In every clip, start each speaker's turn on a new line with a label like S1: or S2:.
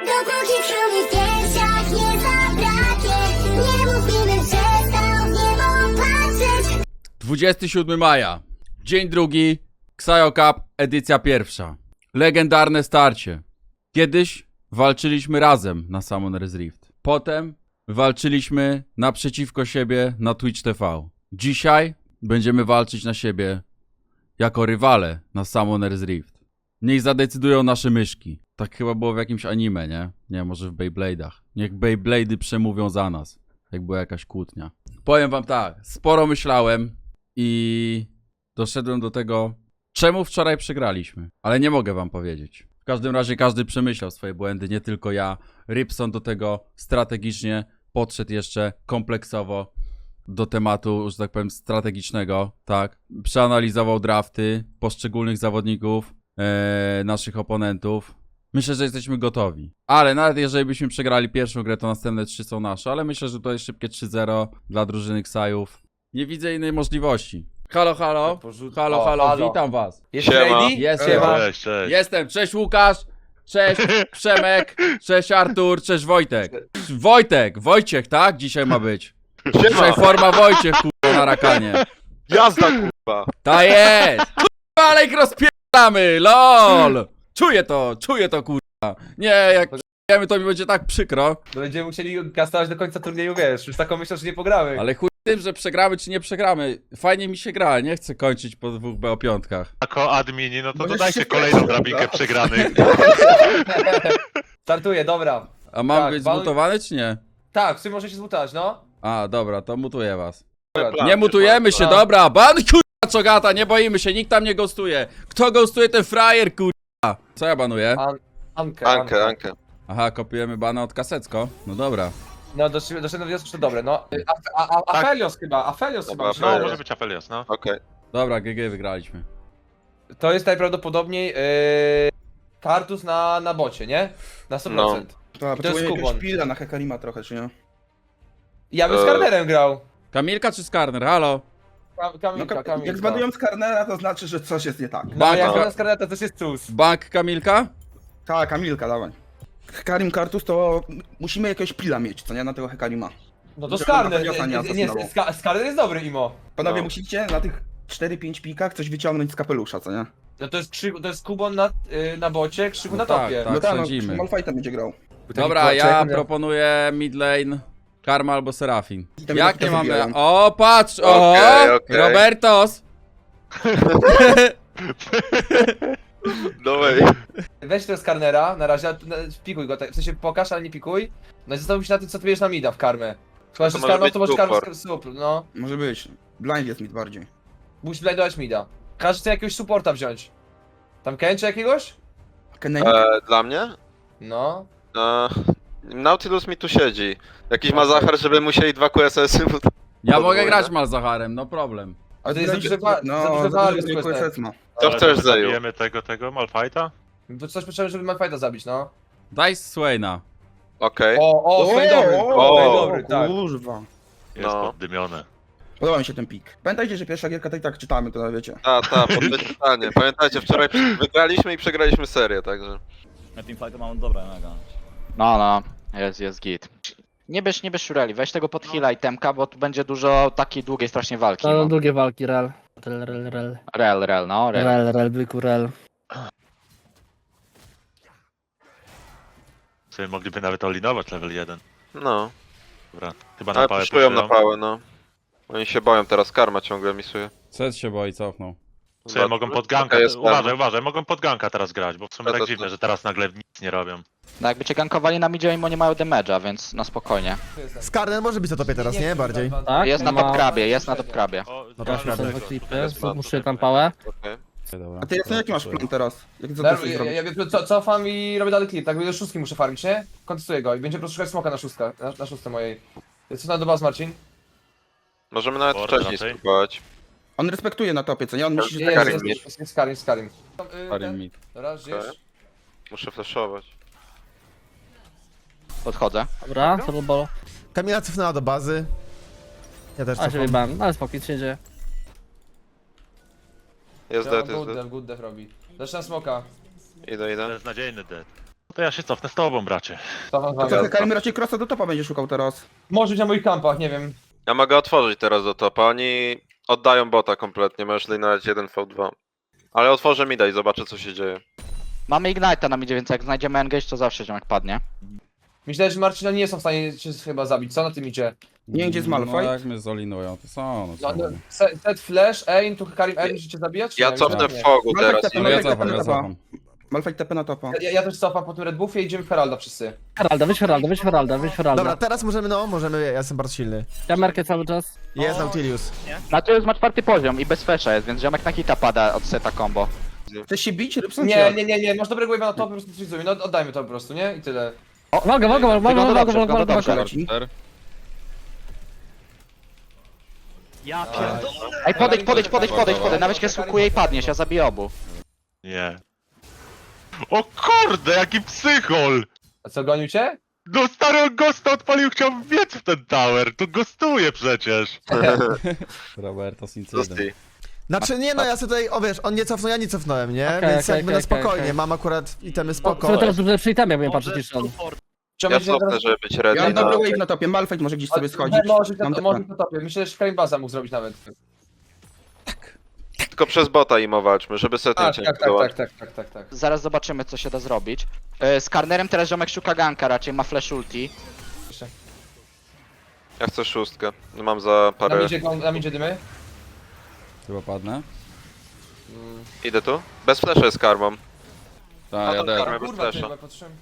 S1: Dopóki przy mnie w piersiach nie zabraknie, nie mówimy, przestał w niebo patrzeć.
S2: 27 maja, dzień drugi, Xayo Cup, edycja pierwsza. Legendarne starcie. Kiedyś walczyliśmy razem na Summoner's Rift. Potem walczyliśmy naprzeciwko siebie na Twitch TV. Dzisiaj będziemy walczyć na siebie jako rywale na Summoner's Rift. Niech zadecydują nasze myszki. Tak chyba było w jakimś anime, nie? Nie, może w Beyblade'ach. Niech Beyblade'y przemówią za nas. Jak była jakaś kłótnia. Powiem wam tak, sporo myślałem i doszedłem do tego, czemu wczoraj przegraliśmy. Ale nie mogę wam powiedzieć. W każdym razie każdy przemyślał swoje błędy, nie tylko ja. Rybson do tego strategicznie podszedł jeszcze kompleksowo do tematu, że tak powiem, strategicznego, tak. Przeanalizował drafty poszczególnych zawodników, naszych oponentów. Myślę, że jesteśmy gotowi. Ale nawet jeżeli byśmy przegrali pierwszą grę, to następne 3 są nasze. Ale myślę, że to jest szybkie 3-0 dla drużyny Ksajów. Nie widzę innej możliwości. Halo, halo. Halo, halo, witam was.
S3: Jest ready?
S2: Jest,
S4: Cześć, cześć.
S2: Jestem. Cześć Łukasz. Cześć Przemek. Cześć Artur. Cześć Wojtek. Wojciech, tak? Dzisiaj ma być. Dzisiaj forma Wojciech, kurwa, na rakanie.
S4: Jazda, kurwa.
S2: Ta jest! Kurwa, ale ich rozpierdamy, lol! Czuję to, kurwa. Nie, jak wiemy, to mi będzie tak przykro.
S3: Będziemy musieli kastować do końca turnieju, wiesz, już taką myślę, że nie pogramy.
S2: Ale chuj tym, że przegramy czy nie przegramy. Fajnie mi się gra, nie chcę kończyć po 2 BO5.
S4: Jako admini, no to
S5: Możesz
S4: dodajcie
S5: się
S4: kolejną
S5: wkręcić,
S4: drabinkę
S5: dobra.
S4: przegranych.
S3: Startuję, dobra.
S2: A mam
S3: Tak,
S2: być zmutowany czy nie?
S3: Tak, w sumie może się zmutować, no.
S2: A, dobra, to mutuję was.
S3: Dobra.
S2: Nie mutujemy się,
S3: plan.
S2: dobra, ban kurwa czogata, nie boimy się, nikt tam nie ghostuje. Kto ghostuje, ten frajer, kurwa. Co ja banuję?
S3: Ankę.
S2: Aha, kopiujemy bana od Kasecko. No dobra.
S3: No, doszedłem do wniosku, że to dobre, no. Afelios chyba,
S4: No,
S3: no.
S4: może być Afelios, no.
S6: Okej.
S2: Dobra, GG wygraliśmy.
S3: To jest najprawdopodobniej Kartus na bocie, nie? Na 100%.
S6: No.
S5: To
S3: jest
S5: potrzebuję
S3: Kubon.
S5: jakiegoś pila na Hekarima trochę, czy nie?
S3: Ja bym z Karnerem grał.
S2: Kamilka czy Skarner? Halo?
S3: Kamilka.
S5: Jak zbanują Skarnera, to znaczy, że coś jest nie tak.
S3: No, jak
S2: Banka.
S3: na Skarnera to też jest cus.
S2: Bank Kamilka?
S5: Tak, Kamilka, dawaj. Hekarim Kartus to musimy jakiegoś pila mieć, co nie? Na tego Hekarima.
S3: No to
S5: Żeby
S3: Skarner,
S5: Afelios'a nie asesynował.
S3: Skarner jest dobry, Imo.
S5: Panowie,
S6: No.
S5: musicie na tych 4-5 pikach coś wyciągnąć z kapelusza, co nie?
S3: No to jest Kubon na bocie, Krzyku
S2: No
S3: na
S2: tak,
S3: topie.
S2: tak.
S5: No tak,
S2: sądzimy.
S5: Malfightem będzie grał.
S2: Dobra, ja proponuję mid lane Karma albo Serafin.
S5: I tam
S2: Jak
S5: ja
S2: nie mamy...
S5: zabijałem.
S2: O, patrz! O!
S6: Okej.
S2: Robertos!
S6: Dawaj.
S3: Weź tego Skarnera, na razie, pikuj go, w sensie pokaż, ale nie pikuj. No i zastanów się na tym, co ty bierzesz na mida w karmę. Chyba, że
S6: To może
S3: Skarnał,
S6: być
S3: to może karmę
S6: support.
S3: sup, no.
S5: Może być. Blind jest mid bardziej.
S3: Musisz blindować mida. Każdy chce jakiegoś supporta wziąć. Tam Kencha jakiegoś?
S5: Kenny?
S6: Dla mnie?
S3: No.
S6: Nautilus mi tu siedzi. Jakiś ma zachar, żeby musieli 2 QSS-y.
S2: Ja
S6: Podwójne.
S2: mogę grać Malzacharem, no problem.
S3: Ale to jest za duże za
S5: No,
S3: duże
S5: za
S3: wary
S5: dużo
S3: społeczne.
S5: QSS ma.
S6: Co
S4: Ale
S6: chcesz,
S4: to
S6: Zeju?
S4: zabijemy tego Malfighta?
S3: Bo coś potrzebne, żeby Malfighta zabić, no.
S2: Daj Swaina.
S6: Okej.
S3: O, Swain dobry,
S6: o,
S3: Swain dobry, tak.
S5: Kurwa.
S4: Jest
S6: No.
S4: poddymione.
S5: Podoba mi się ten pik. Pamiętajcie, że pierwsza gierka to i tak czytamy, to wiecie.
S6: Pytanie. Pamiętajcie, wczoraj wygraliśmy i przegraliśmy serię, także.
S7: Na teamfightu mamy dobre mega.
S8: No, jest git. Nie bierz Shureli, weź tego pod heala i temka, bo tu będzie dużo takiej długiej strasznie walki.
S9: No,
S8: No.
S9: długie walki, rel.
S8: Rel.
S9: Byku, rel.
S4: Sobie mogliby nawet olinować level 1.
S6: No.
S4: Dobra, chyba na
S6: Ale
S4: pałę
S6: puszują na pałę, no. Oni się boją teraz, karma ciągle misuje.
S2: Set się boi, cofnął.
S4: Sobie mogą pod ganka,
S6: Taka jest
S4: uważaj, mogą pod ganka teraz grać, bo w sumie
S6: Ja
S4: tak
S6: to-
S4: dziwne, że teraz nagle nic nie robią.
S8: No jakby cię gankowali na midzie, mimo nie mają damage'a, więc na spokojnie.
S10: Skarner może być na topie teraz, nie? Bardziej.
S9: Tak?
S8: Jest na top krabie, jest na top krabie.
S4: O,
S9: No to
S4: dobra,
S9: są
S4: tego,
S9: dwa klipy,
S4: tutaj jest plan,
S9: muszę
S4: tutaj
S9: tam
S4: jest
S9: pałę.
S6: Okej.
S2: Dobra.
S5: A ty Jasny, jaki masz plan teraz? Jak co
S3: Ja,
S5: ty chcesz zrobić?
S3: cofam i robię dalej klip, tak? Do szóstki muszę farmić, nie? Kontestuję go i będzie po prostu szukać smoka na szóstkę, na szóstce mojej. Co na do was, Marcin?
S6: Możemy nawet
S4: Border
S6: wcześniej
S4: raczej.
S6: spróbować.
S5: On respektuje na topie, co nie? On myśli, że
S3: Jest,
S5: tak
S6: Karim
S3: jest Karim.
S2: Karim mid.
S3: Raz, gdzieś.
S6: Okej. Muszę flashować.
S8: Podchodzę.
S9: Dobra, co bolo.
S10: Kamila cofnęła do bazy. Ja też
S9: A się
S10: cofam.
S9: wyjebałem, ale spokój, nic się nie dzieje.
S6: Jest dead, jest dead.
S3: Good dev robi. Zaczynam smoka.
S6: Idę.
S4: Beznadziejny dead. To ja się cofnę z tobą, bracie.
S3: Cofam z
S5: A
S3: wami.
S5: co, Hekarim raczej crossa do topa będzie szukał teraz.
S3: Może być na moich kampach, nie wiem.
S6: Ja mogę otworzyć teraz do topa, oni oddają bota kompletnie, możesz linować 1v2. Ale otworzę mida i zobaczę co się dzieje.
S8: Mamy Ignite'a na midzie, więc jak znajdziemy engage, to zawsze ziomek padnie.
S3: Myślę, że Marcina nie są w stanie cię chyba zabić. Co na tym idzie?
S5: Nie wiem, gdzie jest
S2: No
S5: Malphite.
S2: jak mnie zolinują, to są. No,
S3: No,
S2: co?
S3: no, set flash, aim, tu Hekarim, aim, musicie zabijać? czy
S6: Ja
S3: nie?
S6: cofnę
S3: Nie.
S6: w fogu
S5: Malphite
S6: teraz.
S5: TP,
S2: No ja
S5: Malphite
S2: cofam,
S5: TP
S2: ja
S5: na topa.
S2: cofam.
S5: Malphite TP na topa.
S3: Ja też cofam po tym Red Buffie i idziemy w Heralda wszyscy.
S9: Heralda, weź Heralda, weź Heralda, weź Heralda.
S10: Dobra, teraz możemy, no, możemy, ja jestem bardzo silny.
S9: Ja merkę cały czas.
S10: Jest Nautilius.
S8: Znaczy ma 4 poziom i bez flasha jest, więc ziomek na hita pada od seta combo.
S5: Chcesz się bić, Rybson?
S3: Nie, masz dobrego wave'a na top, po prostu frizuj. No oddajmy to po prostu, nie? I tyle.
S9: Mogę.
S8: Wygląda dobrze.
S5: Leci.
S7: Ja pierdolę.
S8: Ej, podejdź, nawet jak skukuje i padniesz, ja zabiję obu.
S4: Nie. O kurde, jaki psychol!
S3: A co, gonił cię?
S4: No stary, on gosta odpalił, chciał wbiec w ten tower. Tu gostuje przecież.
S2: Robertos incydent.
S6: Zusty.
S10: Znaczy, nie no, ja sobie tutaj, o wiesz, on nie cofnął, ja nie cofnąłem, nie?
S9: Okej,
S10: Więc
S9: okej,
S10: jakby na
S9: okej,
S10: spokojnie,
S9: okej.
S10: mam akurat itemy
S9: O,
S10: spoko.
S9: sobie teraz dobrze przy itemie, bo nie patrzę
S7: Możesz
S9: ci szan.
S7: support.
S6: Ja cofnę, żeby być ready.
S5: Ja mam
S6: na-
S5: dobry wave na topie, Malphite może gdzieś sobie schodzić.
S3: Może
S5: Mam
S3: na topie. Myślę, że Hekarim Baza mógł zrobić nawet.
S6: Tylko przez bota im walczmy, żeby setting cię nie budować.
S3: Tak.
S8: Zaraz zobaczymy, co się da zrobić. Z Karnerem teraz ziomek szuka ganka, raczej ma flash ulti.
S6: Ja chcę szóstkę. No mam za parę.
S3: Na midzie dymy.
S2: Chyba padnę?
S6: Idę tu? Bez flasha jest karmą.
S2: Tak, ja też.
S6: Karmę bez
S3: Kurwa, ty,
S6: flasha.
S3: bo patrzyłem.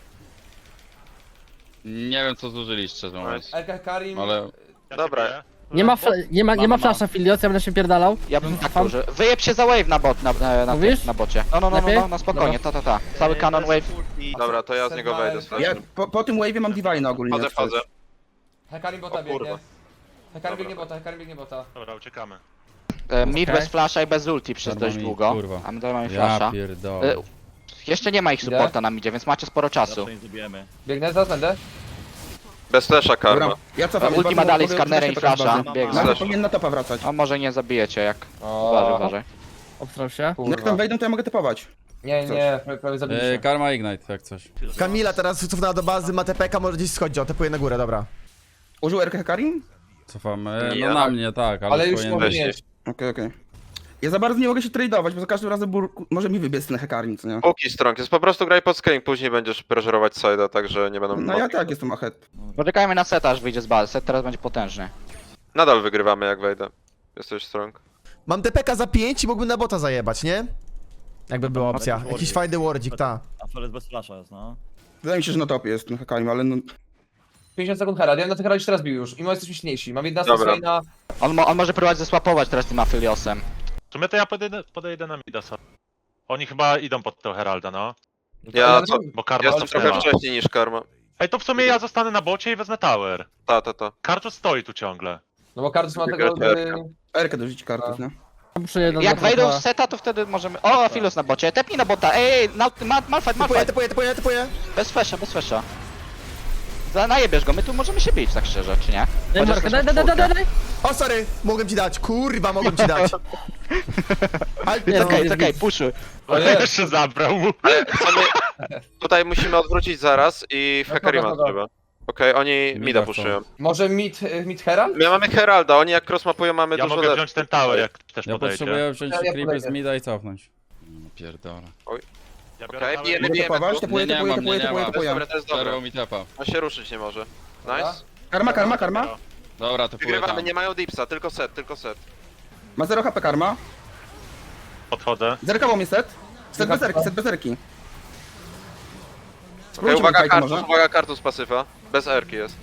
S2: Nie wiem co zużyliście z
S3: LK Hekarim.
S2: ale...
S4: Ja
S6: Dobra.
S4: cię biję.
S9: Nie ma flasha Filios, ja będę się pierdalał.
S8: Ja bym tak użył. Wyjeb się za wave na bot,
S9: Mówisz?
S8: na bocie. No,
S9: Lepiej?
S8: no, spokojnie, ta. Cały kanon wave.
S6: Dobra, to ja z niego wejdę z
S5: Ja
S6: flashem.
S5: po tym wave'ie mam Divine ogólnie.
S6: Wchodzę.
S3: Hekarim bota
S6: O kurwa.
S3: biegnie. Hekarim biegnie bota.
S4: Dobra, uciekamy.
S8: Mid
S9: Okej.
S8: bez flasha i bez ulti przez dość
S2: Darmo mi,
S8: długo.
S2: kurwa.
S8: A my dalej mamy
S2: Ja
S8: flasha.
S2: pierdolę.
S8: Jeszcze nie ma ich supporta na midzie, więc macie sporo czasu.
S7: Zawsze nie zabijemy.
S3: Biegnę, zaraz będę.
S6: Bez flasha karma.
S5: Dobra, ja cofam.
S8: Ulti ma dalej z Karnerem i flasha.
S7: Mam-
S8: Biegnie.
S5: Nawet powinien na topa wracać.
S8: A może nie zabijecie jak.
S3: O,
S8: Uważaj.
S9: Obstrał się.
S5: Jak tam wejdą, to ja mogę topować.
S3: Nie, prawie zabiliście.
S2: Karma Ignite, jak coś.
S10: Kamila teraz cofnęła do bazy, ma TPK, może gdzieś schodzi, o, tepuje na górę, dobra.
S5: Użył RK Hekarim?
S2: Cofamy,
S6: Nie.
S2: no na mnie, tak, ale,
S3: Ale już
S2: powinien
S3: może
S2: być.
S3: nie jest.
S5: Okej. Ja za bardzo nie mogę się tradeować, bo za każdym razem może mi wybiec ten Hekarim, co nie?
S6: Póki strong jest, po prostu graj pod screen, później będziesz pressure'ować side'a, także nie będą...
S5: No ja tak jestem ahead.
S8: Poczekajmy na seta, aż wyjdzie z bazy. Set teraz będzie potężny.
S6: Nadal wygrywamy jak wejdę. Jesteś strong.
S10: Mam TPK za 5 i mógłbym na bota zajebać, nie? Jakby była opcja. Jakiś fajny wardzik, ta.
S7: A Flores bez flasha jest, no.
S5: Wydaje mi się, że na topie jest ten Hekarim, ale no...
S3: 50 sekund Herald, ja na tych Heraldzie teraz bił już. I jesteśmy silniejsi. Mam 11
S6: Dobra.
S3: Swaina.
S8: On może próbować zesłapować teraz tym Apheliosem.
S4: W sumie to ja podejdę na mida sobie. Oni chyba idą pod tego Heralda, no.
S6: Ja co?
S4: Bo karma
S6: Jestem trochę
S4: cofnęła.
S6: wcześniej niż karma.
S4: Ej, to w sumie ja zostanę na bocie i wezmę tower.
S6: Ta.
S4: Karczu stoi tu ciągle.
S3: No bo Kardus ma tego...
S6: Wygrać
S5: RK dorzucić kartów, nie?
S9: Muszę jeden
S8: Jak
S9: na
S8: wejdą
S9: topa.
S8: z seta, to wtedy możemy... O, Aphelios na bocie. Tepnij na bota. Ej, Malphite.
S10: Tepuję.
S8: Bez flasha. Najebiesz go, my tu możemy się bić, tak szczerze, czy nie?
S9: Daj
S8: Chociaż
S9: markę,
S8: też
S9: daj.
S10: O, sorry, mogłem ci dać, kurwa, mogłem ci dać. Ale
S9: Nie,
S10: to
S8: Czekaj, puszuj.
S3: O nie.
S4: Jeszcze zabrał mu.
S6: Co my... Tutaj musimy odwrócić zaraz i w
S3: No
S6: Hekarima
S3: dobra.
S6: trzeba. Okej, oni
S2: Mida
S6: mida
S2: chcą.
S6: puszują.
S3: Może mid Herald?
S6: My mamy Heralda, oni jak crossmapują mamy
S4: Ja
S6: dużo
S4: mogę
S6: lepszy.
S4: wziąć ten tower, jak też
S2: Ja
S4: podejdzie.
S2: potrzebuję wziąć
S3: Ja
S2: creepy
S3: podejdę.
S2: z mida i cofnąć. No pierdolę.
S4: Ja biorę
S6: Okej,
S4: tower
S6: bijemy,
S4: i-
S5: Mogę
S6: bijemy
S5: topować?
S6: tu.
S5: Tepuję.
S6: Dobra, to jest dobre.
S2: Przerwał mi tepa.
S6: On się ruszyć nie może. Nice.
S5: Karma.
S2: Dobra, tepuję
S6: Wygrywamy,
S2: tam.
S6: nie mają dipsa, tylko set.
S5: Ma 0 HP karma.
S4: Podchodzę.
S5: Zerkował mnie set. Set bez erki.
S6: Okej,
S5: Spróbujcie
S6: uwaga
S5: Malphite'a
S6: kartus,
S5: może.
S6: pasywa. Bez erki jest.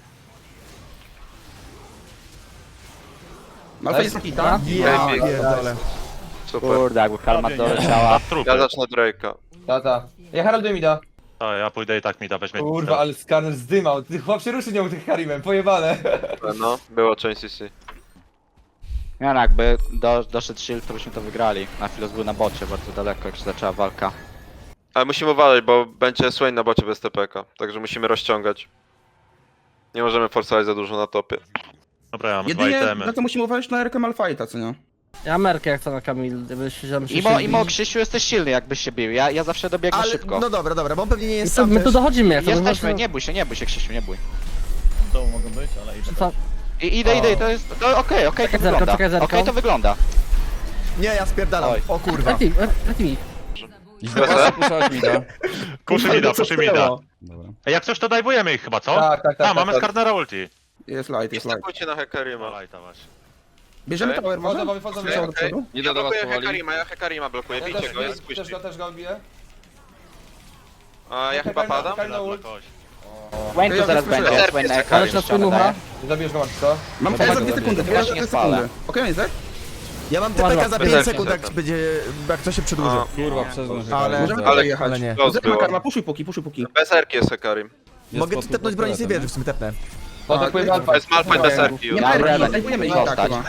S5: Malphite jest taki, tak?
S10: Ja
S6: Okej,
S10: pierdolę.
S6: Super.
S8: Kurde, jakby karma doleciała.
S4: Na trupy.
S6: Ja zacznę Drake'a.
S3: Ta. Ja Heralduję mida.
S4: A, ja pójdę i tak mida, weźmie.
S3: Kurwa, ale Skarner zdymał. Ty chłop się ruszy nie był tym Hecarimem, pojebane.
S6: No, było część CC.
S8: Nie no, jakby doszedł shield, to byśmy to wygrali. Na chwilę był na bocie, bardzo daleko, jak się zaczęła walka.
S6: Ale musimy uważać, bo będzie Swain na bocie bez TPK. Także musimy rozciągać. Nie możemy forsować za dużo na topie.
S4: Dobra, ja mam dwa
S5: Jedynie
S4: itemy.
S5: na to musimy uważać na RK Malphite'a, co nie?
S9: Ja mam Merkę jak co na Kamil, gdybyś się
S8: Imo, Krzysiu, jesteś silny, jakbyś się bił. Ja zawsze dobiegnę
S10: Ale,
S8: szybko.
S10: no dobra, bo on pewnie nie
S9: My
S10: jest
S9: tu,
S10: sam
S9: my tu
S10: też.
S9: dochodzimy jak to
S8: Jesteśmy, nie bój się, Krzysiu, nie bój.
S7: To mogą być, ale idę.
S9: Co?
S8: Idę, to jest... To okej, to
S9: Zerko,
S8: wygląda.
S9: czekaj, Zerko.
S8: Okej, to wygląda.
S10: Nie, ja spierdalam.
S7: Oj.
S10: O kurwa.
S9: Traki.
S2: Idź do was, puszczać mi da.
S4: Puszy mi da.
S2: Dobra.
S4: Ej, jak coś to dajwujemy ich chyba, co?
S3: Tak.
S4: Mamy Skarnera ulti.
S5: Jest light,
S6: I
S5: jest light.
S6: stakujcie na Hekarima.
S4: Dawaj, to właśnie.
S5: Bierzemy
S6: Okej.
S5: tower może?
S3: Wchodzą,
S5: Słyszałem do przodu?
S6: Idę do was Hekarima, ja Hekarima blokuję,
S3: Ja
S6: bijcie go, jest
S3: też
S6: squishy.
S3: go biję.
S6: A ja chyba padam?
S3: Hekarina ult.
S8: Wayne tu zaraz będzie,
S6: Zerk
S8: Wayne
S6: jest
S9: Ale czas płynucha.
S3: Nie zabijesz go, Max, co?
S5: Mam
S8: No tak,
S5: za 2 sekundy,
S8: ja się
S5: za
S8: nie
S5: 2
S8: spalę.
S5: sekundy. Okej, jest
S10: Ja mam TPK za 5
S6: Zerk,
S10: sekund, jak
S6: zerk.
S10: będzie, jak to się przedłuży.
S6: A,
S2: Kurwa, przez
S10: Ale,
S5: Możemy
S6: Ale-
S5: ale jechać.
S10: ale nie.
S6: Los
S5: Zerk
S6: było.
S5: ma karma, puszuj póki.
S6: Bez erki jest Hekarim.
S10: Mogę ci tepnąć broni z tej wieży, w sumie tepnę.
S3: No to pływa
S6: To jest Malphite bez erki już.
S5: Nie ma
S8: Ja
S5: erki,
S8: Reven,
S5: zajmujemy ich tak
S8: zostać.
S5: chyba.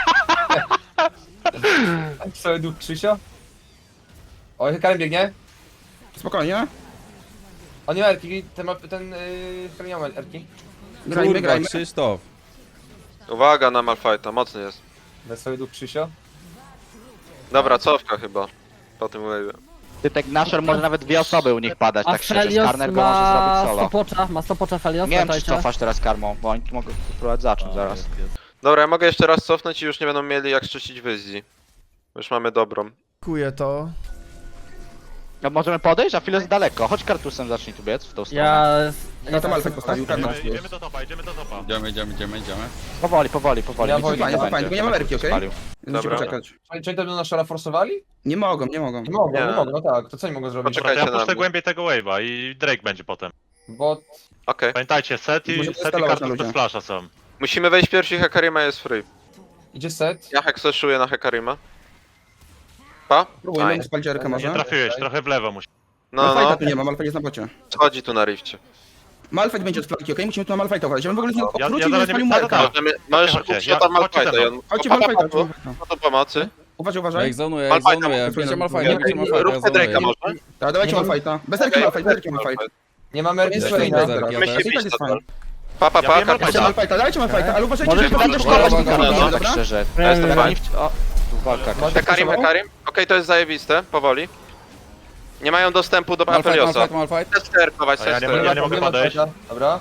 S3: sobie duch Krzysio. O, Hekarim biegnie.
S5: Spokojnie.
S3: On nie ma erki, ten Hekarim nie ma erki.
S5: Grajmy,
S2: Kurwa,
S5: grajmy.
S2: Krzysztof.
S6: Uwaga na Malphite'a, mocny jest.
S3: Weź sobie duch Krzysio.
S6: Dobra, cofka chyba. Po tym wave'ie.
S8: Ty tak Nashor może nawet 2 osoby u nich padać,
S9: A
S8: tak szczerze.
S9: Felios
S8: Skarner go może zrobić
S9: ma
S8: solo.
S9: stopocza Felios,
S8: Nie wiem, czy
S9: pamiętajcie.
S8: cofasz teraz karmą, bo oni tu mogą próbować zacząć zaraz.
S6: Dobra, ja mogę jeszcze raz cofnąć i już nie będą mieli jak czyścić wyzji. Już mamy dobrą.
S10: Kuję to.
S8: No możemy podejść, a chwilę jest daleko. Chodź kartusem, zacznij tu biec w tą stronę.
S5: Ja tam Alfred postawił, karma.
S4: Idziemy do topa.
S2: Idziemy.
S8: Powoli.
S3: Ja
S8: nic
S3: Wojtek,
S8: nie
S5: fajnie,
S8: będzie,
S5: fajnie, tylko nie ma
S8: żeby
S5: werki, okej?
S8: spalił.
S5: Musimy
S6: Dobra.
S5: poczekać.
S3: Czy oni to na Shora forsowali?
S5: Nie mogą.
S3: Nie mogą,
S6: Nie.
S3: nie mogą, no tak. To co oni mogą zrobić?
S6: Poczekaj.
S4: Ja
S6: na
S4: puszczę
S6: mnie.
S4: głębiej tego wave'a i Drake będzie potem.
S3: Bo
S6: Okej.
S4: Pamiętajcie, set i
S5: Możemy skalować na
S4: kartus
S5: ludzie.
S4: bez flasha są.
S6: Musimy wejść pierwsi, Hekarima jest free.
S3: idzie set.
S6: Ja hekseszuję na Hekarima. Pa?
S5: Próbujmy
S6: Aj.
S5: mu spalić erkę
S4: Nie
S5: może.
S4: trafiłeś, trochę w lewo musi.
S6: No,
S5: Malfajta tu nie ma, Malfajt jest na bocie.
S6: schodzi tu na rifcie.
S5: Malfajt będzie od flanki, okej? Musimy tu na Malfajta uważać. Ja bym w ogóle z niego
S4: Ja
S5: wrócił i
S4: zaraz
S5: nie spalił
S4: nie-
S5: Merka.
S6: Możesz
S4: Chodźcie,
S6: kupić tam
S4: chodźcie ze
S6: Malphite'a.
S4: mną.
S5: Chodźcie Malfajta.
S6: No to pomocy.
S5: Uważaj,
S2: Ja
S5: uważaj.
S2: ich zonuję,
S6: Malphite'a
S2: zonuję.
S5: mogę
S2: Bicie
S5: zrobić.
S2: Malphite'a, bicie Malphite'a, ja
S6: Róbmy Drake'a
S2: zonuję.
S6: może?
S5: Tak, dawajcie
S3: Nie mam-
S5: Malfajta. Bez erki Malfajt, bez erki Malfajt.
S3: Nie mamy erki
S2: Jest
S3: swojej.
S2: fajna
S3: no.
S2: zerka.
S6: Weźcie
S5: I tak
S6: bić
S5: jest
S6: to.
S5: fajnie.
S6: Pa,
S4: Ja wiem,
S6: kartus.
S5: Dajcie Malfajta, dajcie Malfajta, ale uważajcie,
S8: Możesz
S5: że
S8: bardzo
S5: będą
S8: szkoda,
S5: szkować
S6: no,
S5: nikogo,
S6: no.
S8: tak
S5: dobra?
S8: szczerze.
S6: Ja jestem
S8: Oni
S6: fajny.
S8: O, tu walka.
S6: Hekarim, Hekarim. Okej, to jest zajebiste, powoli. Nie mają dostępu do Afeliosa.
S2: Malphite.
S6: Chcę sterkować,
S4: A ja
S6: chcę
S4: nie
S6: sterkować.
S4: mogę podejść.
S3: Dobra.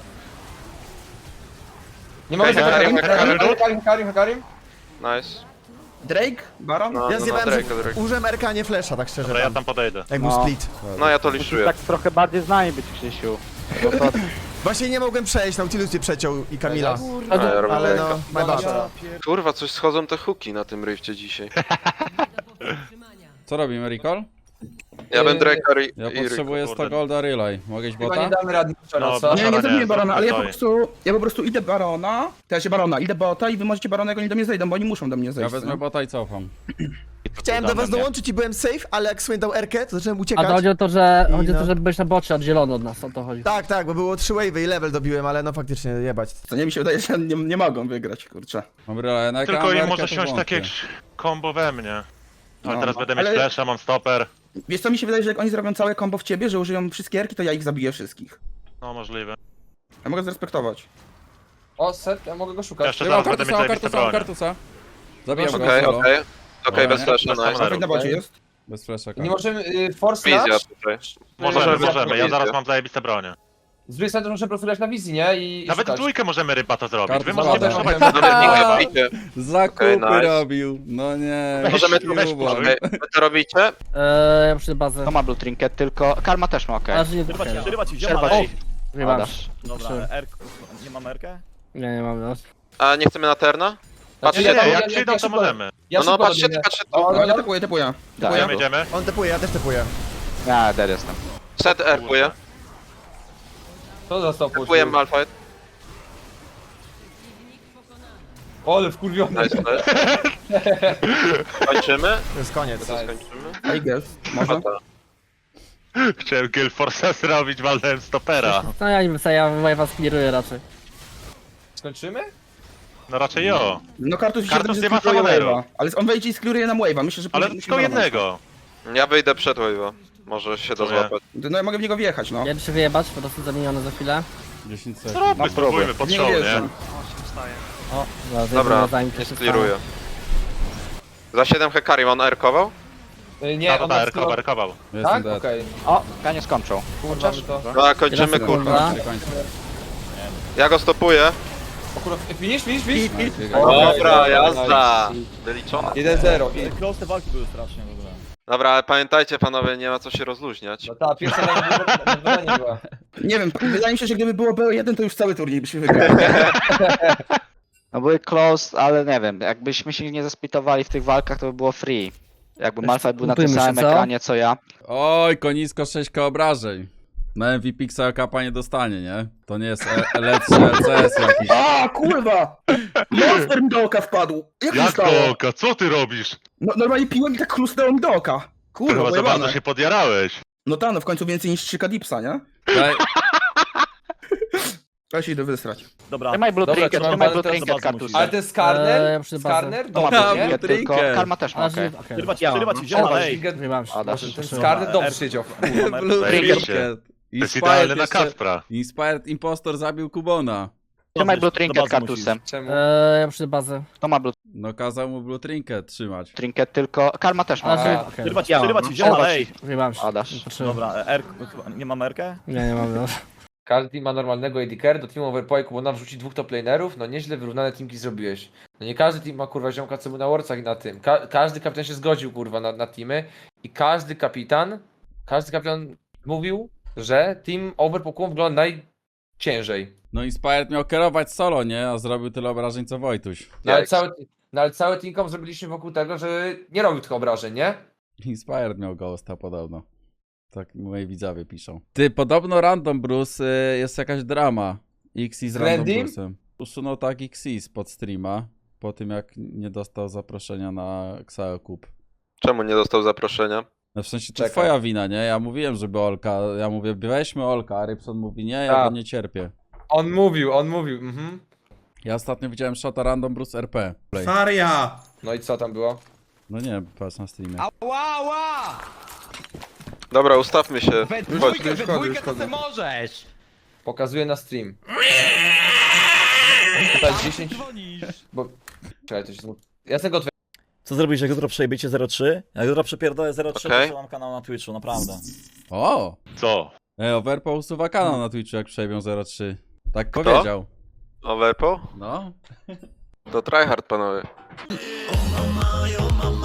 S3: Nie mogę
S6: Hekarim,
S3: Hekarim.
S6: Nice.
S5: Drake, Baron.
S6: No,
S10: Ja zjebałem, że
S6: Drake.
S10: użyłem RK, nie flesza, tak szczerze.
S4: Dobra, ja
S10: Tam.
S4: tam podejdę.
S10: Jak był
S8: No.
S10: split.
S6: No ja to liszuję.
S7: Tak trochę bardziej znani być, Krzysiu. Bo to
S10: Właśnie nie mogłem przejść, Nautilus mnie przeciął i Kamila.
S6: A, ja robię
S10: Ale
S6: Drake'a.
S10: no, my bad.
S6: Kurwa, coś schodzą te hooki na tym rifcie dzisiaj.
S2: Co robimy, Recall?
S6: Ja bym Drake'a
S2: Ja
S6: i
S2: potrzebuję 100
S4: kurde.
S2: golda relay. Mogę iść
S3: Chyba nie
S2: bota?
S3: damy rady
S4: No,
S3: no, co?
S5: Nie, nie
S4: Barona
S5: zrobimy
S4: nie,
S5: Barona, ale
S4: stoi.
S5: ja po prostu idę Barona, to ja się Barona, idę bota i wy możecie Barona, jak oni do mnie zejdą, bo oni muszą do mnie
S2: Ja
S5: zejść.
S2: wezmę
S5: nie?
S2: bota i cofam.
S10: Chciałem do was dołączyć i byłem safe, ale jak Swain dał RK, to zacząłem
S9: A
S10: uciekać.
S9: to chodzi o to, że
S10: I
S9: chodzi o
S10: no.
S9: to, żeby być na bocie oddzielony od nas, o to chodzi.
S10: Tak, bo było 3 wave'y i level dobiłem, ale no faktycznie jebać.
S5: Co nie mi się wydaje, że nie mogą wygrać, kurczę.
S2: Mam relay na
S4: Tylko im może siąść takie combo we mnie. Ale
S5: No,
S4: teraz będę mieć
S5: ale-
S4: flasha, mam stopper.
S5: Wiesz co, mi się wydaje, że jak oni zrobią całe combo w ciebie, że użyją wszystkie erki, to ja ich zabiję wszystkich.
S4: No możliwe.
S5: Ja mogę zrespektować.
S3: O, set, ja mogę go szukać.
S4: Jeszcze
S2: Mam
S4: zaraz będę
S2: kartusa,
S4: mieć
S2: mam
S4: zajebiste
S2: kartusa, mam
S4: bronie.
S2: kartusa. Zabijam go
S6: Okej,
S2: solo.
S6: okej. Okej, bez
S4: Nie,
S6: flasha,
S4: bez
S6: nice.
S4: kamery.
S5: Alfred na bocie jest.
S2: Bez flasha.
S3: Nie możemy, force
S6: Wizja
S3: flash.
S6: tutaj.
S4: Możemy. Ja
S6: wizję.
S4: zaraz mam zajebiste bronie.
S3: Z drugiej strony to muszę profilować na wizji, nie? I
S4: Nawet w
S3: szukać.
S4: dwójkę możemy ryba to zrobić. Wy
S2: Kartus
S4: możecie
S2: woda.
S4: przesuwać
S6: Dobra, nie bicie.
S2: Zakupy
S6: Okej, nice.
S2: robił. No nie.
S6: Możemy tu
S2: weź
S6: wejść. Okej, wy to robicie?
S9: Ja przyjdę bazę.
S8: To ma blue trinket, tylko karma też ma, okej.
S9: Ale że nie
S7: Przerywać ci,
S9: trafię.
S7: przerywać ci,
S8: Przerwa
S7: wziął
S8: ci.
S9: Wyjebałem.
S8: Dasz.
S7: Dobra, nie mamy Erkę?
S9: Nie mam, no.
S6: A nie chcemy na Terna?
S4: Nie,
S6: Patrzcie,
S4: nie,
S3: Ja-
S4: jak
S3: ja
S4: przyjdą to
S3: szybko-
S4: możemy.
S3: Ja
S6: no
S3: szybko
S6: patrzcie,
S3: dobiegnę.
S6: patrzcie
S3: O,
S6: tu.
S3: no,
S5: Ja typuję.
S4: Idziemy, idziemy.
S10: On tepuje, ja też tepuję.
S8: Ja, dead jestem.
S6: Set erkuje.
S3: To został
S6: Erkuję Malphite.
S3: Ole, wkurwiony.
S6: Nice, nice. Kończymy?
S10: To jest koniec.
S6: To skończymy?
S5: I guess, może.
S4: Chciałem Kill Force zrobić, walnąłem stopera.
S9: No ja nie wiem, ja was clearuję raczej.
S3: Skończymy?
S4: No raczej jo.
S5: No Kartus
S4: Kartus
S5: się
S4: nie ma
S5: skliruje
S4: summoneru.
S5: wave'a. Ale on wejdzie i skliruje nam wave'a, myślę, że
S4: Ale
S5: musimy
S4: tylko
S5: barować.
S4: jednego.
S6: Ja wyjdę przed wave'a. Może się da
S4: Czuję.
S6: złapać.
S5: No ja mogę w niego wjechać, no.
S9: Ja się wyjebać, po prostu zamieniony za chwilę.
S2: 10 sekund.
S4: Zróbmy, spróbujmy pod
S5: Nie
S4: show,
S5: wierzę.
S4: nie?
S9: O,
S6: Dobra,
S9: zanim
S6: nie skliruję. Za 7 Hekarim on erkował?
S3: Nie, on ma
S4: erkował.
S2: Jestem
S3: Tak?
S2: dead.
S3: Okej.
S8: O, Kanie skończą.
S3: Kurwa, to.
S6: No, kończymy kurwa.
S9: Sekunda.
S6: Ja go stopuję.
S3: O kurwa, finish.
S6: Dobra, jazda. Wyliczone.
S3: 1-0.
S7: Close te walki były strasznie w ogóle.
S6: Dobra, ale pamiętajcie panowie, nie ma co się rozluźniać.
S3: No ta pierwsza nie była.
S5: Nie wiem, wydaje mi się, że gdyby było BO1, to już cały turniej byśmy wygrali.
S8: No były close, ale nie wiem, jakbyśmy się nie zesplitowali w tych walkach, to by było free. Jakby Malphite był na tym
S9: Kupujmy się,
S8: samym
S9: co?
S8: ekranie co ja.
S2: Oj, konisko 6k obrażeń. Na MVP Xayo Cupa nie dostanie, nie? To nie jest lepszy LCS jakiś.
S5: A, kurwa! Monster mi do oka wpadł. Jak to
S4: Jak
S5: stało?
S4: to oka? Co ty robisz?
S5: No, normalnie piłem i tak chrusnęło mi do oka.
S4: Ty
S5: Kurwa,
S4: chyba za bardzo
S5: pojebane.
S4: się podjarałeś.
S5: No ta, no w końcu więcej niż 3K dipsa, nie?
S2: Daj,
S5: Ja się idę wysrać.
S7: Dobra.
S8: Trzymaj Blue
S3: Dobra,
S8: Trinket,
S3: trzymam
S8: trzymaj
S3: bazę,
S8: Blue
S3: teraz
S8: Trinket,
S7: zobaczmy,
S8: Kartus.
S3: Ale ten Skarner?
S9: przy bazę.
S3: Skarner?
S8: To ma
S3: Dobrze,
S8: Blue
S3: nie?
S8: Trinket, tylko
S2: Trinket.
S8: Karma też ma, okej.
S9: Okej.
S7: Przerywać
S9: Ja
S7: ci,
S9: mam.
S7: wziąłem,
S3: O,
S7: ale ej.
S9: Wyjebałem się.
S8: Adasz.
S3: Ten Skarner dobrze siedział.
S4: Zajebiście. To jest idealny na Kaspra.
S2: Inspired Impostor zabił Kubona.
S8: Trzymaj Blue
S7: Do
S8: Trinket,
S7: bazy
S8: Kartusem.
S3: Czemu?
S9: Ja przy bazę.
S8: To ma Blue
S2: No kazał mu Blue Trinket trzymać.
S8: Trinket, tylko Karma też ma.
S9: Ale
S3: A,
S9: okej.
S7: Przerywać ci, wziąłem, ale ej.
S9: Wyjebałem się.
S8: Adasz.
S9: Patrzyłem.
S7: Dobra, R, nie mam R-kę?
S9: Nie mam. No.
S3: Każdy team ma normalnego AD carry, do teamu overpoiku, bo nam wrzuci 2 top lanerów, no nieźle wyrównane teamki zrobiłeś. No nie każdy team ma kurwa ziomka, co był na Warcach i na tym. Każdy kapitan się zgodził kurwa na teamy i każdy kapitan mówił, że team overpoiku wygląda najciężej.
S2: No Inspired miał kierować solo, nie? A zrobił tyle obrażeń co Wojtuś.
S3: No ale cały teamkom zrobiliśmy wokół tego, że nie robił tych obrażeń, nie?
S2: Inspired miał ghosta podobno. Tak moi widzowie piszą. Ty, podobno Random Bruce jest jakaś drama. Xi z Random
S3: Randim?
S2: Bruce'em. Usunął tak Xi spod streama. Po tym jak nie dostał zaproszenia na Xayo Cup.
S6: Czemu nie dostał zaproszenia?
S2: No w sensie to
S3: Czekam.
S2: twoja wina, nie? Ja mówiłem, żeby Olka. Ja mówię, weźmy Olka, a Rybson mówi nie, ja
S3: Tak.
S2: go nie cierpię.
S3: On mówił,
S2: Ja ostatnio widziałem shota Random Bruce RP. Play.
S10: Faria!
S3: No i co tam było?
S2: No nie, patrz na streamie.
S6: Dobra, ustawmy się. Chodź.
S3: Pokazuję na stream. Tutaj 10... Bo... Czekaj, to się... Ja z tego
S7: Co zrobisz, jak jutro przejebiecie 0-3? Jak jutro przepierdolę 0-3,
S6: Okej.
S7: to mam kanał na Twitchu, naprawdę.
S2: O!
S4: Co?
S2: Overpo usuwa kanał na Twitchu, jak przejmią 03. Tak powiedział.
S6: Overpo?
S2: No.
S6: To tryhard panowie.